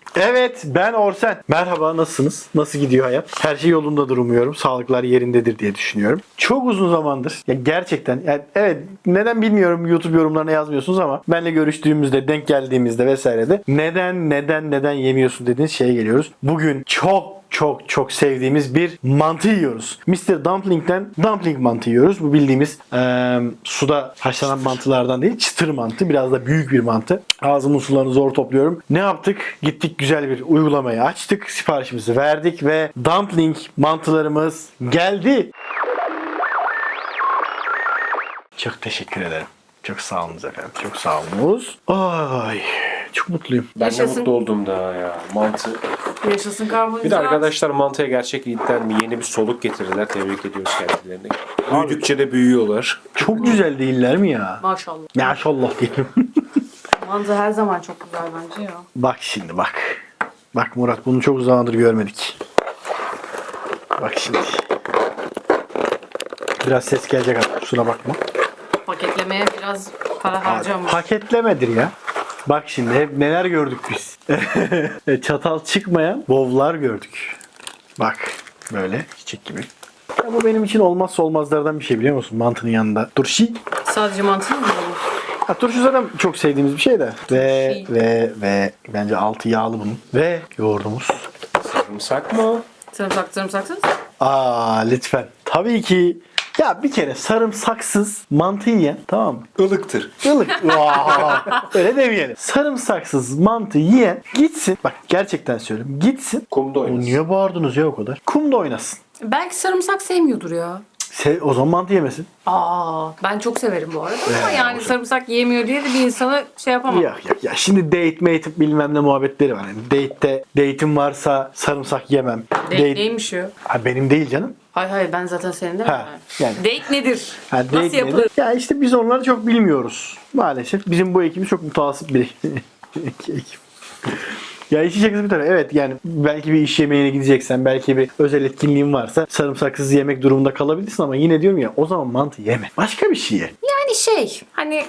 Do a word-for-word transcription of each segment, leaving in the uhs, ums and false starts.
Evet, ben Orsen. Merhaba, nasılsınız? Nasıl gidiyor hayat? Her şey yolundadır umuyorum. Sağlıklar yerindedir diye düşünüyorum. Çok uzun zamandır, ya gerçekten, yani evet, neden bilmiyorum, YouTube yorumlarına yazmıyorsunuz ama benle görüştüğümüzde, denk geldiğimizde vesaire de neden, neden, neden yemiyorsun dediğiniz şeye geliyoruz. Bugün çok çok çok sevdiğimiz bir mantı yiyoruz. mister Dumpling'den dumpling mantı yiyoruz. Bu bildiğimiz eee, suda haşlanan mantılardan değil, çıtır mantı. Biraz da büyük bir mantı. Ağzımın sularını zor topluyorum. Ne yaptık? Gittik, güzel bir uygulamayı açtık. Siparişimizi verdik ve dumpling mantılarımız geldi. Çok teşekkür ederim. Çok sağ olunuz efendim. Çok sağ olunuz. Ay, çok mutluyum. Ben Yaşasın. de mutlu oldum daha ya. Mantı. Yaşasın karbonhidrat. Bir de arkadaşlar mantıya gerçekten yeni bir soluk getirdiler. Tebrik ediyoruz kendilerini. Büyüdükçe de büyüyorlar. Çok güzel değiller mi ya? Maşallah. Maşallah diyelim. Mantı her zaman çok güzel bence ya. Bak şimdi bak. Bak Murat, bunu çok zamandır görmedik. Bak şimdi. Biraz ses gelecek artık, kusura bakma. Paketlemeye biraz para harcamış. Paketlemedir ya. Bak şimdi hep neler gördük biz. Çatal çıkmayan bovlar gördük. Bak böyle çiçek gibi. Ya bu benim için olmazsa olmazlardan bir şey, biliyor musun? Mantının yanında. Turşu. Sadece mantı mı yiyelim? Ha, turşu zaten çok sevdiğimiz bir şey de. Ve Turşu. ve ve bence altı yağlı bunun. Ve yoğurdumuz. Sarımsak mı? Sarımsak sarımsaksız. Aa lütfen. Tabii ki. Ya bir kere sarımsaksız mantı yiyen, tamam mı? Ilıktır. Ilık. Vaa! Öyle demeyelim. Sarımsaksız mantı yiyen gitsin. Bak gerçekten söylüyorum. Gitsin. Kumda O oynasın. niye bağırdınız ya o kadar? Kumda oynasın. Belki sarımsak sevmiyordur ya. Se o zaman mantı yemesin. Aa, ben çok severim bu arada ama Ee, yani olsun. sarımsak yiyemiyor diye de bir insanı şey yapamam. Yok yok ya. Şimdi date mate bilmem ne muhabbetleri var. Yani date'te date'im varsa sarımsak yemem. Date neymiş o? Ha, benim değil canım. Hayır hayır ben zaten senin de Ha, yani. Date nedir? Ha, Nasıl date yapılır? nedir? Ya işte biz onları çok bilmiyoruz. Maalesef. Bizim bu ekibimiz çok mutasip bir ekip. Ya işin şakası bir tarafa. Evet yani belki bir iş yemeğine gideceksen, belki bir özel etkinliğin varsa sarımsaksız yemek durumunda kalabilirsin ama yine diyorum ya, o zaman mantı yeme. Başka bir şey ye. Yani şey hani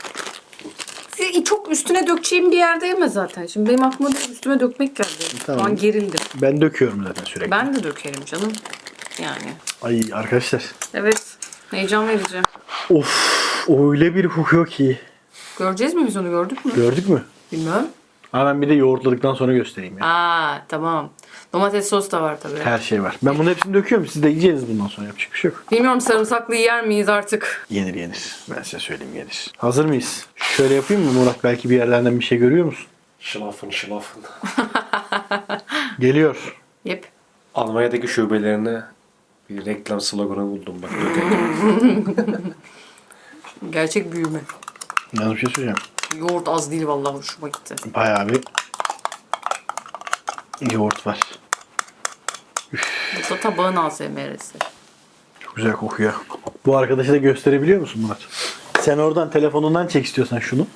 çok üstüne dökeceğim bir yerde yeme zaten. Şimdi benim aklıma da üstüme dökmek geldi. Tamam. Şu an gerildim. Ben döküyorum zaten sürekli. Ben de dökerim canım. Yani. Ay arkadaşlar. Evet. Heyecan verici. Of, öyle bir kokuyor ki. Göreceğiz mi biz onu, gördük mü? Gördük mü? Bilmiyorum. Ama ben bir de yoğurtladıktan sonra göstereyim ya. Aa tamam. Domates sos da var tabii. Her şey var. Ben bunun hepsini döküyorum. Siz de yiyeceğiniz bundan sonra. Yapacak bir şey yok. Bilmiyorum sarımsaklı yer miyiz artık? Yenir yenir. Ben size söyleyeyim, yenir. Hazır mıyız? Şöyle yapayım mı Murat? Belki bir yerlerden bir şey görüyor musun? Şılafın şılafın. Geliyor. Yep. Almanya'daki şubelerine bir reklam sloganı buldum bak. Dökelim. Gerçek büyüme. Yalnız bir şey söyleyeceğim. Yoğurt az değil vallahi, hoşuma gitti. Bayağı bir yoğurt var. Bu da tabağın A S M R'si. Çok güzel kokuyor. Bu arkadaşı da gösterebiliyor musun Murat? Sen oradan telefonundan çek istiyorsan şunu.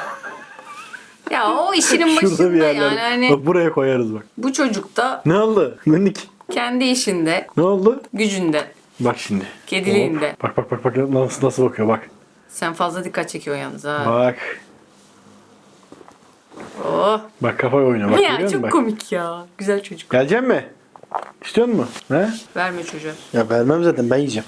Ya o işinin Şurada bir başında yerlerde. yani hani Bak buraya koyarız bak. bu çocuk da Ne oldu? Minik. kendi işinde, Ne oldu? gücünde, Bak şimdi. kediliğinde. Bak bak bak bak nasıl nasıl bakıyor bak. Sen fazla dikkat çekiyorsun yalnız ha. Bak. Oh. Bak kafa oynuyor bak, Ya görüyor musun çok bak. komik ya. Güzel çocuk. Gelecek mi? İstiyor musun? He? Verme çocuğa. Ya vermem zaten, ben yiyeceğim.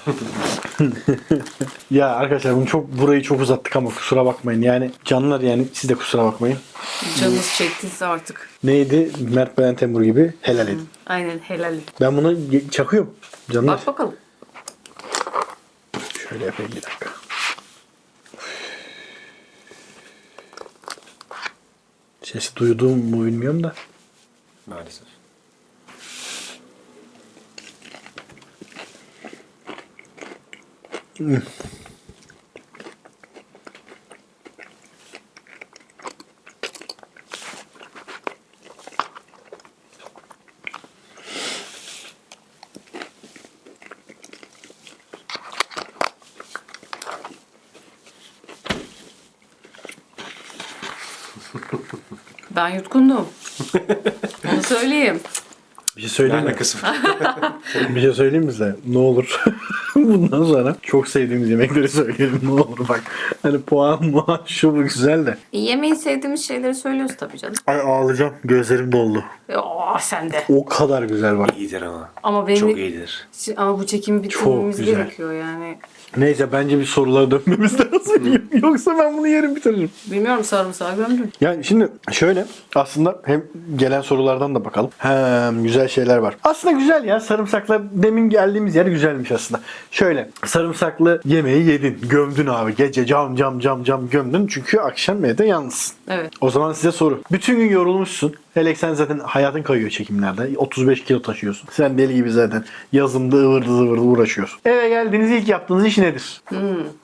Ya arkadaşlar bunu çok burayı çok uzattık ama kusura bakmayın. Yani canlar, yani siz de kusura bakmayın. Canınız çektiyse artık. Neydi? Mert Belen Temur gibi helal edin. Aynen helal. Ben bunu ye- çakıyorum. Canlar. Bak bakalım. Şöyle yapayım bir dakika. Sesi duyduğum mu bilmiyorum da. Maalesef. Ben yutkundum. Onu söyleyeyim. Bir şey söyleyeyim mi? Alakası var. Bir şey söyleyeyim mi size? Ne olur. Bundan sonra çok sevdiğimiz yemekleri söyleyelim. Ne olur bak. Hani puan muan şu bu güzel de. E, yemeği sevdiğimiz şeyleri söylüyoruz tabii canım. Ay ağlayacağım. Gözlerim doldu. E, oh, sen de. O kadar güzel bak. İyidir ama. Ama benim Çok iyidir. ama bu çekimi Çok bitirmemiz güzel. gerekiyor yani. Neyse bence bir sorulara dönmemiz lazım. Yoksa ben bunu yerim bitiririm. Bilmiyorum, sarımsağı gömdüm. Yani şimdi şöyle aslında hem gelen sorulardan da bakalım. Hem güzel şeyler var. Aslında güzel ya, sarımsakla demin geldiğimiz yer güzelmiş aslında. Şöyle sarımsaklı yemeği yedin. Gömdün abi. Gece cam cam cam cam gömdün. Çünkü akşam evde yalnızsın. Evet. O zaman size soru. Bütün gün yorulmuşsun. Hele sen zaten hayatın kayıyor çekimlerde. otuz beş kilo taşıyorsun. Sen deli gibi zaten yazımda ıvırdı zıvırdı uğraşıyorsun. Eve geldiğiniz ilk yaptığınız iş nedir? Hmm.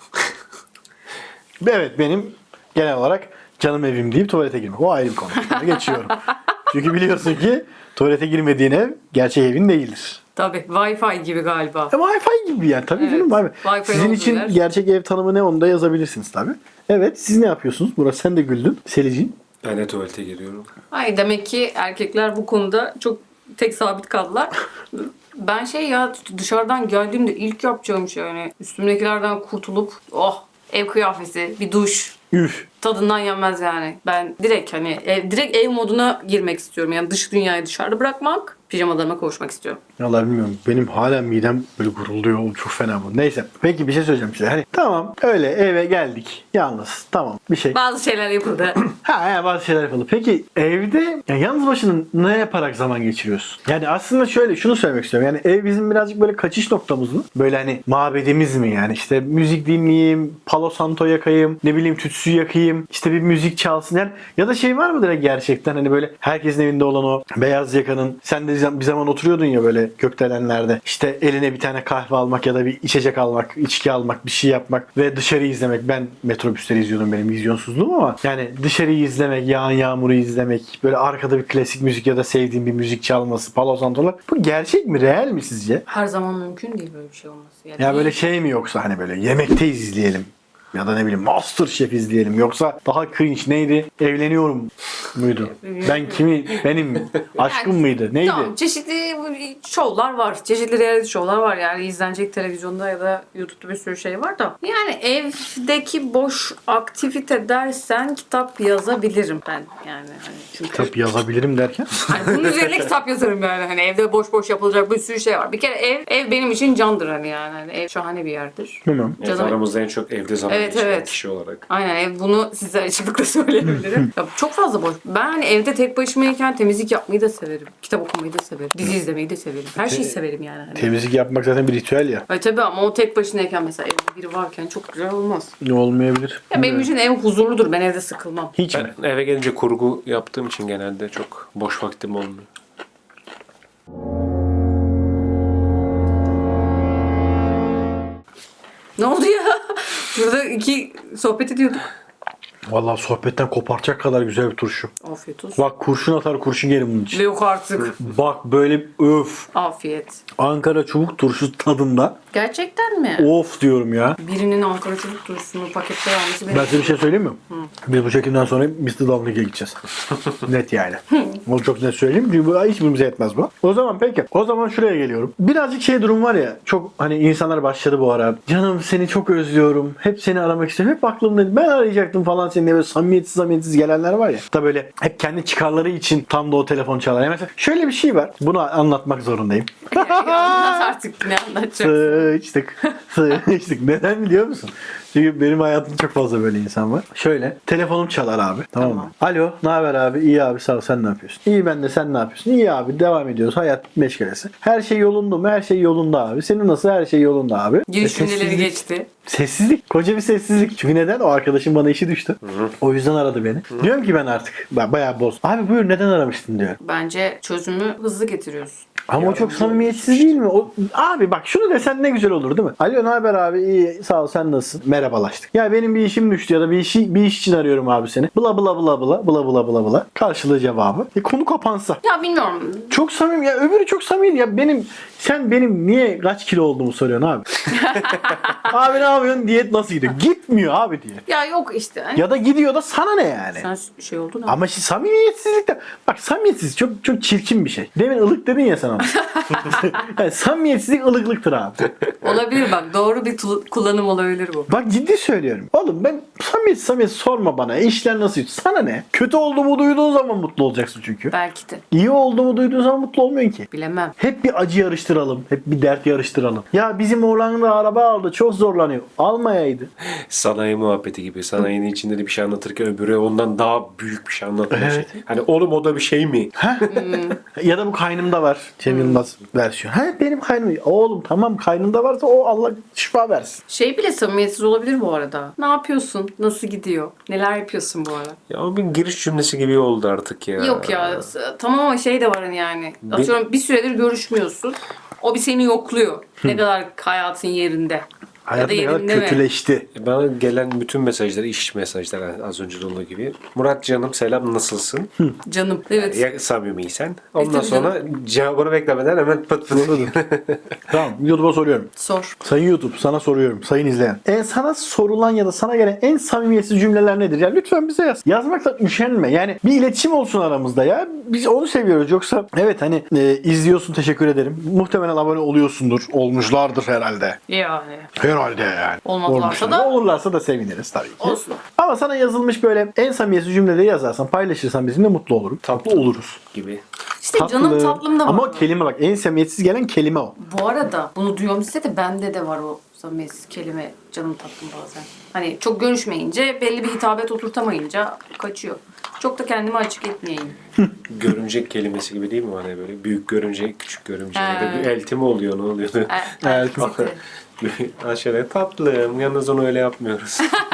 Evet, benim genel olarak canım evim deyip tuvalete girmek. O ayrı bir konu. Şimdi geçiyorum. Çünkü biliyorsun ki tuvalete girmediğin ev gerçek evin değildir. Tabii. Wi-Fi gibi galiba. E, Wi-Fi gibi yani tabii Evet. canım. Abi. Wi-Fi Sizin olduğu için yer. gerçek ev tanımı ne, onu da yazabilirsiniz tabii. Evet, siz ne yapıyorsunuz? Murat sen de güldün. Selicin. Ben de tuvalete giriyorum. Ay, demek ki erkekler bu konuda çok tek sabit kaldılar. Ben şey ya, dışarıdan geldiğimde ilk yapacağım şey yani üstümdekilerden kurtulup oh, ev kıyafeti, bir duş, Üf. tadından yenmez yani. Ben direkt hani ev, direkt ev moduna girmek istiyorum. Yani dış dünyayı dışarıda bırakmak, pijamalarıma kavuşmak istiyorum. Vallahi bilmiyorum. Benim hala midem böyle gurulduyor. Oğlum çok fena bu. Neyse. Peki bir şey söyleyeceğim size. Hani tamam öyle eve geldik. Yalnız. Tamam. Bir şey. Bazı şeyler yapıldı. Ha ya, bazı şeyler yapalım. Peki evde ya yalnız başına ne yaparak zaman geçiriyorsun? Yani aslında şöyle şunu söylemek istiyorum. Yani ev bizim birazcık böyle kaçış noktamız mı? Böyle hani mabedimiz mi yani? İşte müzik dinleyeyim, Palo Santo yakayım, ne bileyim tütsü yakayım, işte bir müzik çalsın yani. Ya da şey var mıdır gerçekten hani böyle herkesin evinde olan o beyaz yakanın, sen de bir zaman oturuyordun ya böyle gökdelenlerde, işte eline bir tane kahve almak ya da bir içecek almak, içki almak, bir şey yapmak ve dışarı izlemek. Ben metrobüsleri izliyordum, benim vizyonsuzluğum, ama yani dışarıyı izlemek, yağan yağmuru izlemek, böyle arkada bir klasik müzik ya da sevdiğim bir müzik çalması, Palo Santo'lar. Bu gerçek mi, real mi sizce? Her zaman mümkün değil böyle bir şey olması. Yani Ya böyle şey mi, yoksa hani böyle yemekteyiz izleyelim ya da ne bileyim MasterChef izleyelim, yoksa daha cringe neydi? Evleniyorum muydu? Ben kimi, benim aşkım mıydı? Neydi? Tamam, çeşitli şovlar var. Çeşitli reality şovlar var yani izlenecek televizyonda ya da YouTube'da bir sürü şey var da. Yani evdeki boş aktivite dersen kitap yazabilirim ben yani. Hani çünkü Kitap yazabilirim derken? hani bunun üzerine kitap yazarım yani. Hani evde boş boş yapılacak bir sürü şey var. Bir kere ev ev benim için candır hani yani. Hani ev şahane bir yerdir. Bilmem. Evet, Canım- aramızda en çok evde zaman Evet, geçiren evet. kişi olarak. Aynen, ev bunu size açıklıkla söyleyebilirim. Ya çok fazla boş. Ben hani evde tek başımayken temizlik yapmayı da severim. Kitap okumayı da severim. Dizi izlemeyi de severim. Her şeyi severim yani. Hani. Temizlik yapmak zaten bir ritüel ya. Ay tabii, ama o tek başınayken mesela evde biri varken çok güzel olmaz. Ne olmayabilir? Ya benim için ev huzurludur. Ben evde sıkılmam. Hiç mi? Ben eve gelince kurgu yaptığım için genelde çok boş vaktim olmuyor. Ne oldu ya? Şurada iki sohbet ediyorduk. Vallahi sohbetten koparacak kadar güzel bir turşu. Afiyet olsun. Bak kurşun atar kurşun gelir bunun için. Ve yok artık. Bak böyle öf. Afiyet. Ankara çubuk turşusu tadında. Gerçekten mi? Of diyorum ya. Birinin Ankara çubuk turşusunu pakette vermesi benim. Ben size bir şey söyleyeyim mi? Biz bu çekimden sonra mister Dumping'e gideceğiz. Net yani. Onu çok net söyleyeyim. Çünkü bu hiçbirimize yetmez bu. O zaman peki. O zaman şuraya geliyorum. Birazcık şey durum var ya. Çok hani insanlar başladı bu ara. Canım seni çok özlüyorum. Hep seni aramak istiyorum. Hep aklımdaydı. Ben arayacaktım falan seni diye böyle samimiyetsiz samimiyetsiz gelenler var ya. Da böyle hep kendi çıkarları için tam da o telefon çalar. Yani mesela şöyle bir şey var. Bunu anlatmak zorundayım. Anlat artık, ne anlatacaksın? Sıçtık. Sıçtık. Neden biliyor musun? Çünkü benim hayatımda çok fazla böyle insan var. Şöyle. Telefonum çalar abi. Tamam mı? Alo. Ne haber abi? İyi abi, sağ ol. Sen ne yapıyorsun? İyi ben de, sen ne yapıyorsun? İyi abi. Devam ediyoruz. Hayat meşgalesi. Her şey yolunda mı? Her şey yolunda abi. Senin nasıl? Her şey yolunda abi. Giriş E, cümleleri sessizlik. geçti. Sessizlik. Koca bir sessizlik. Çünkü neden? O arkadaşım bana işi düştü. O yüzden aradı beni. Diyorum ki ben artık ben bayağı boz. Abi buyur, neden aramıştın diyorum. Bence çözümü hızlı getiriyoruz. Ama o çok samimiyetsiz değil mi? O, abi bak şunu desen ne güzel olur değil mi? Alo ne haber abi? İyi sağ ol, sen nasılsın? Merhaba. merhabalaştık. Ya benim bir işim düştü ya da bir işi bir iş için arıyorum abi seni. Bla bla bla bla bla bla bla bla. Karşılığı cevabı. E konu kapansa. Ya bilmiyorum. Çok samimi ya, öbürü çok samimi ya. Benim sen benim niye kaç kilo olduğumu soruyorsun abi. Abi ne yapıyorsun? Diyet nasıl gidiyor? Gitmiyor abi diyet. Ya yok işte. Hani Ya da gidiyor da sana ne yani? sen şey oldun Ama şimdi samimiyetsizlik de bak, samimiyetsiz çok çok çirkin bir şey. Demin ılık dedin ya sen ona. Yani samimiyetsizlik ılıklıktır abi. olabilir bak. Doğru bir tu- kullanım olabilir bu. Bak ciddi söylüyorum. Oğlum ben samimiyet samimiyet sorma bana. E, işler nasıl? Sana ne? Kötü olduğumu duyduğun zaman mutlu olacaksın çünkü. Belki de. İyi olduğumu duyduğun zaman mutlu olmuyorsun ki. Bilemem. Hep bir acı yarıştıralım. Hep bir dert yarıştıralım. Ya bizim oğlan da araba aldı. Çok zorlanıyor. Almayaydı. Sanayi muhabbeti gibi. Sanayinin içinde de bir şey anlatırken öbürü ondan daha büyük bir şey anlatmaya Evet. şey. Hani oğlum o da bir şey mi? Ya da bu kaynımda var. Cem Yılmaz versiyon. Ha benim kaynım. Oğlum tamam, kaynımda varsa o Allah şifa versin. Şey bile samimiyetsiz olabilir bu arada. Ne yapıyorsun? Nasıl gidiyor? Neler yapıyorsun bu ara? Ya o bir giriş cümlesi gibi oldu artık ya. Yok ya. s- Tamam ama şey de var hani yani. Bir- Atıyorum bir süredir görüşmüyorsun. O bir seni yokluyor. Ne kadar hayatın yerinde. Hayat ya ne da kadar yerinde mi? kötüleşti. Bana gelen bütün mesajlar, iş mesajları az önce de olduğu gibi. Murat canım selam nasılsın? Canım. Evet. Ya samimiysen. Ondan tabii sonra cevabını beklemeden hemen pıt pıt. Tamam, YouTube'a soruyorum. Sor. Sayın YouTube, sana soruyorum. Sayın izleyen. En sana sorulan ya da sana gelen en samimiyetsiz cümleler nedir? Ya lütfen bize yaz. Yazmaktan üşenme. Yani bir iletişim olsun aramızda ya. Biz onu seviyoruz. Yoksa evet hani e, izliyorsun, teşekkür ederim. Muhtemelen abone oluyorsundur. Olmuşlardır herhalde. Yani. Herhalde yani. Olmadılarsa Olmuşlar. da- Olurlarsa da seviniriz tabii ki. Olsun. Ama sana yazılmış böyle en samimiyetsiz cümleleri yazarsan, paylaşırsan bizimle mutlu olurum. Tatlı oluruz. gibi. İşte canım tatlım da var. Ama o kelime bak, en samimiyetsiz gelen kelime o. Bu arada bunu duyuyorum size de bende de var o samimiyetsiz kelime canım tatlım bazen. Hani çok görüşmeyince belli bir hitabet oturtamayınca kaçıyor. Çok da kendimi açık etmeyeyim. Görümcek kelimesi gibi değil mi? Hani böyle büyük görümce, küçük görümce. Ya da He. bir elti mi oluyor, ne oluyordu? E, Evet. elbette. Aşağıya tatlım. Yalnız onu öyle yapmıyoruz.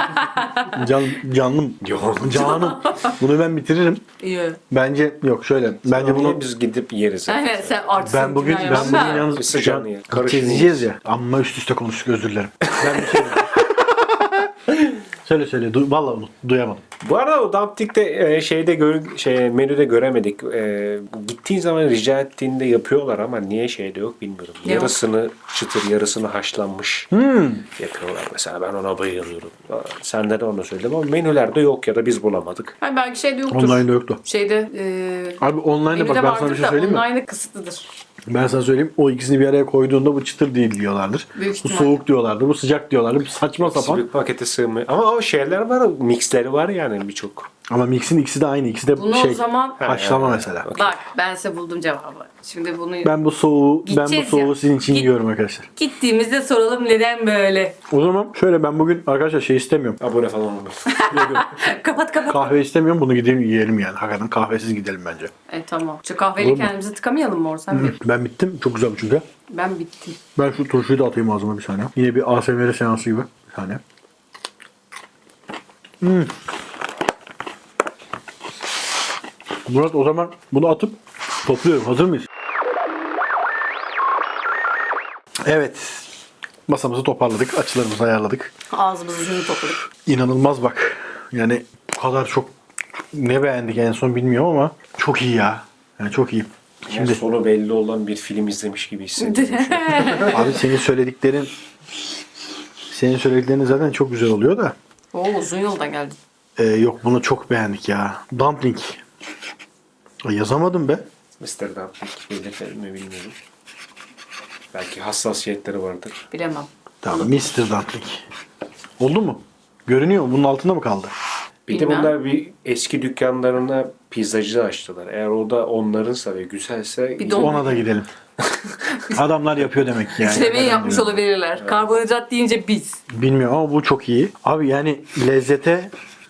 Can, canım. Yok. Canım. Bunu ben bitiririm. İyi. Bence yok şöyle. Bence Bunu bunu biz gidip yeriz. Aynen sen artık ben bugün ben bugün yalnız Biz sıcağını ye. Karışın izleyeceğiz ya. Amma üst üste konuştuk, özür dilerim. Ben bir şey Söyle söyle. Du Vallahi unut. Duyamadım. Bu arada o Dumptik'te e, şeyde gör, şey, menüde göremedik. E, gittiğin zaman rica ettiğinde yapıyorlar ama niye şeyde yok bilmiyorum. Ne yok? yarısını çıtır, yarısını haşlanmış Hmm. yapıyorlar mesela. Ben ona bayılıyorum. Senden de onu söyledim ama menülerde yok ya da biz bulamadık. Hayır belki şeyde yoktur. Online'da yoktu. Şeyde e, Abi online'da bak, menüde ben sana bir vardır şey da söyleyeyim mi? online'da kısıtlıdır. Ben sana söyleyeyim. O ikisini bir araya koyduğunda bu çıtır değil diyorlardır. Büyük Bu ihtimalle. soğuk diyorlardır. Bu sıcak diyorlardır. Bu saçma sapan. Bir pakete sığmıyor. Ama o şeyler var, mixleri var yani birçok. Ama mixin ikisi de aynı. İkisi de Bunu şey. o zaman Haşlama Ha, mesela. bak ben size buldum cevabı. Şimdi bunu Ben bu soğuğu ben bu Gideceğiz soğuğu ya. sizin için Git- yiyorum arkadaşlar. gittiğimizde soralım neden böyle. O zaman şöyle, ben bugün arkadaşlar şey istemiyorum. Abone falan olmuyor. kapat kapat. Kahve istemiyorum. Bunu gidelim yiyelim yani. Hakikaten kahvesiz gidelim bence. E tamam. Şu kahveyle Olur mu? kendimizi tıkamayalım mı Orsan Bey? Ben bittim. Çok güzel bu çünkü. Ben bittim. Ben şu turşuyu da atayım ağzıma bir saniye. Yine bir A S M R seansı gibi. Bir saniye. Hmm. Murat, o zaman bunu atıp topluyorum. Hazır mıyız? Evet. Masamızı toparladık. Açılarımızı ayarladık. Ağzımızı yüzünü topladık. İnanılmaz bak. Yani bu kadar çok ne beğendik en son bilmiyorum ama çok iyi ya. Yani çok iyi. Şimdi Şimdi sonu belli olan bir film izlemiş gibi hissediyorum. abi senin söylediklerin senin söylediklerin zaten çok güzel oluyor da. Oo uzun yoldan geldin. Ee, yok, bunu çok beğendik ya. Dumpling. Ay, yazamadım be. mister Dumpling belirtelim mi bilmiyorum. Belki hassasiyetleri vardır. Bilemem. Tamam, mister Dumpling. Oldu mu? Görünüyor mu? Bunun altında mı kaldı? Bir Bilmem. de bunlar bir eski dükkanlarına pizzacı açtılar. Eğer o da onlarınsa ve güzelse Bir don- Ona da gidelim. Adamlar yapıyor demek ki yani. Üçlemeyi yapmış olabilirler. Karbonhidrat deyince biz. Bilmiyorum ama bu çok iyi. Abi yani lezzete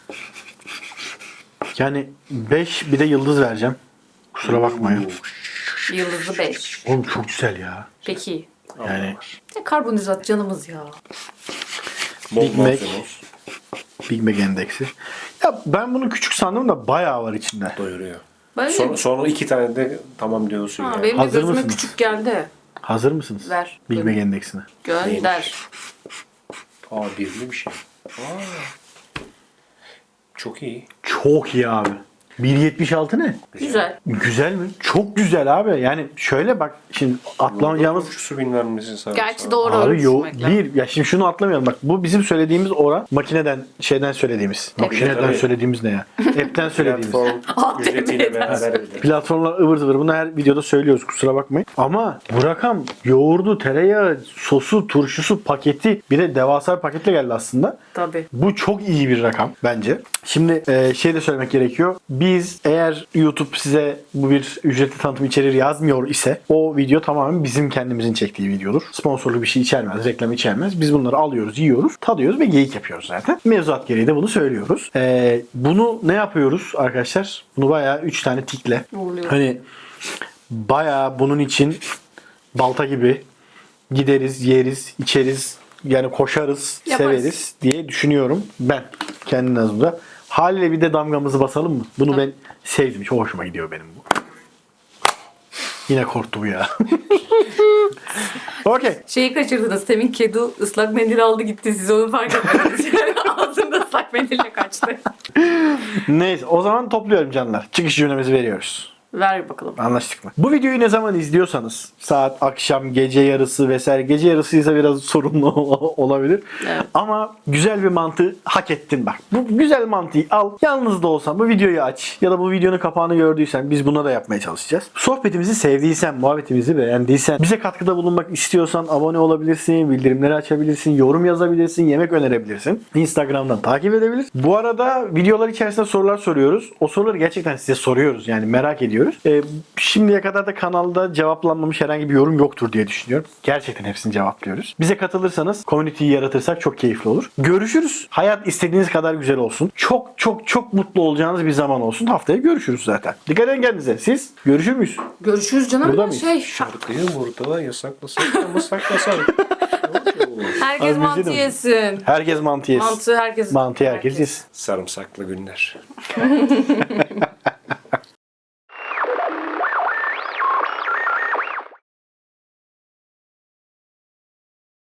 yani beş, bir de yıldız vereceğim. Kusura bakmayın. Yıldızlı beş. Oğlum çok güzel ya. Peki. Yani Ya karbonhidrat canımız ya. bol Big Mac. malzeme olsun. Big Mac endeksi. Ya ben bunu küçük sandım da bayağı var içinde. Doyuruyor. Böyle Son, mi? sonra iki tane de tamam diyorsun Ha, yani. benim de Hazır gözüme mısınız? küçük geldi. Hazır mısınız? Ver. Big Mac endeksine. Gönder. Aa birli bir şey. Aa. Çok iyi. Çok iyi abi. bir yetmiş altı ne? Güzel. Güzel mi? Çok güzel abi. Yani şöyle bak şimdi atlamayacağımız Şu bilmem nesi sarımsak. Gerçi doğru abi yo ölçmek lazım. bir ya şimdi şunu atlamayalım bak bu bizim söylediğimiz oran makineden şeyden söylediğimiz. Makineden Tabii. söylediğimiz ne ya? App'ten söylediğimiz. Platform ücretiyle beraber ödedim. Platformlar ıvır zıvır. Bunu her videoda söylüyoruz. Kusura bakmayın. Ama bu rakam yoğurdu, tereyağı, sosu, turşusu, paketi bir de devasa bir paketle geldi aslında. Tabii. Bu çok iyi bir rakam bence. Şimdi e, şey de söylemek gerekiyor. Biz eğer YouTube size bu bir ücretli tanıtım içeriği yazmıyor ise o video tamamen bizim kendimizin çektiği videodur. Sponsorlu bir şey içermez, reklam içermez. Biz bunları alıyoruz, yiyoruz, tadıyoruz ve geyik yapıyoruz zaten. Mevzuat gereği de bunu söylüyoruz. E, bunu ne yapıyoruz arkadaşlar? Bunu bayağı üç tane tikle. Oluyor. Hani bayağı bunun için balta gibi gideriz, yeriz, içeriz, yani koşarız, Yaparız. severiz diye düşünüyorum ben kendi nazımda. Haliyle bir de damgamızı basalım mı? Bunu Tabii. ben sevdim. Çok hoşuma gidiyor benim bu. Yine korktu bu ya. Okey. Şeyi kaçırdınız. Temin kedi ıslak mendil aldı gitti. Siz onu fark etmediniz. Yani ağzında ıslak mendille kaçtı. Neyse o zaman topluyorum canlar. Çıkış cümlemizi veriyoruz. Ver bakalım. Anlaştık mı? Bu videoyu ne zaman izliyorsanız saat, akşam, gece yarısı vesaire. Gece yarısıysa biraz sorunlu olabilir. Evet. Ama güzel bir mantığı hak ettin bak. Bu güzel mantığı al. Yalnız da olsan bu videoyu aç. Ya da bu videonun kapağını gördüysen biz buna da yapmaya çalışacağız. Sohbetimizi sevdiysen, muhabbetimizi beğendiysen, bize katkıda bulunmak istiyorsan abone olabilirsin, bildirimleri açabilirsin, yorum yazabilirsin, yemek önerebilirsin. Instagram'dan takip edebilir. Bu arada videolar içerisinde sorular soruyoruz. O soruları gerçekten size soruyoruz. Yani merak ediyoruz. Ee, şimdiye kadar da kanalda cevaplanmamış herhangi bir yorum yoktur diye düşünüyorum. Gerçekten hepsini cevaplıyoruz. Bize katılırsanız, community'yi yaratırsak çok keyifli olur. Görüşürüz. Hayat istediğiniz kadar güzel olsun. Çok çok çok mutlu olacağınız bir zaman olsun. Haftaya görüşürüz zaten. Dikkat edin kendinize. Siz görüşür müyüz? Görüşürüz canım. Burada da mıyız? Şey, Şarkıyı burada yasaklasak ama saklasak. herkes Abi mantı bizi de- yesin. Herkes mantı yesin. Mantı herkes. Mantı herkes yesin. Sarımsaklı günler.